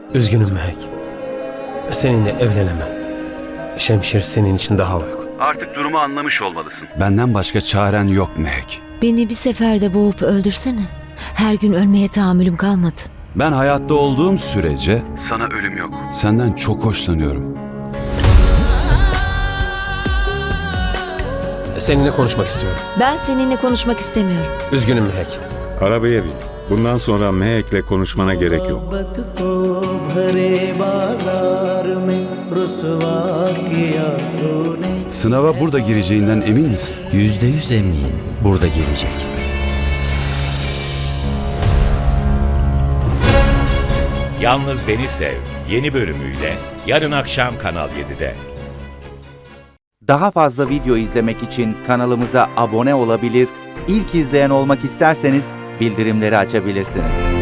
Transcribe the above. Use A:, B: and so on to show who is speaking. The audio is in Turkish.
A: Üzgünüm Mehek. Seninle evlenemem. Şemşir senin için daha uygun.
B: Artık durumu anlamış olmalısın.
C: Benden başka çaren yok Mehek.
D: Beni bir seferde boğup öldürsene. Her gün ölmeye tahammülüm kalmadı.
C: Ben hayatta olduğum sürece
B: Sana ölüm yok.
C: senden çok hoşlanıyorum.
A: Seninle konuşmak istiyorum.
D: Ben seninle konuşmak istemiyorum.
A: Üzgünüm Mehek.
E: Arabaya bin. Bundan sonra Mehek'le konuşmana gerek yok.
C: Sınava burada gireceğinden emin misin?
F: %100 eminim burada gelecek.
G: Yalnız Beni Sev yeni bölümüyle yarın akşam Kanal 7'de.
H: Daha fazla video izlemek için kanalımıza abone olabilir, ilk izleyen olmak isterseniz bildirimleri açabilirsiniz.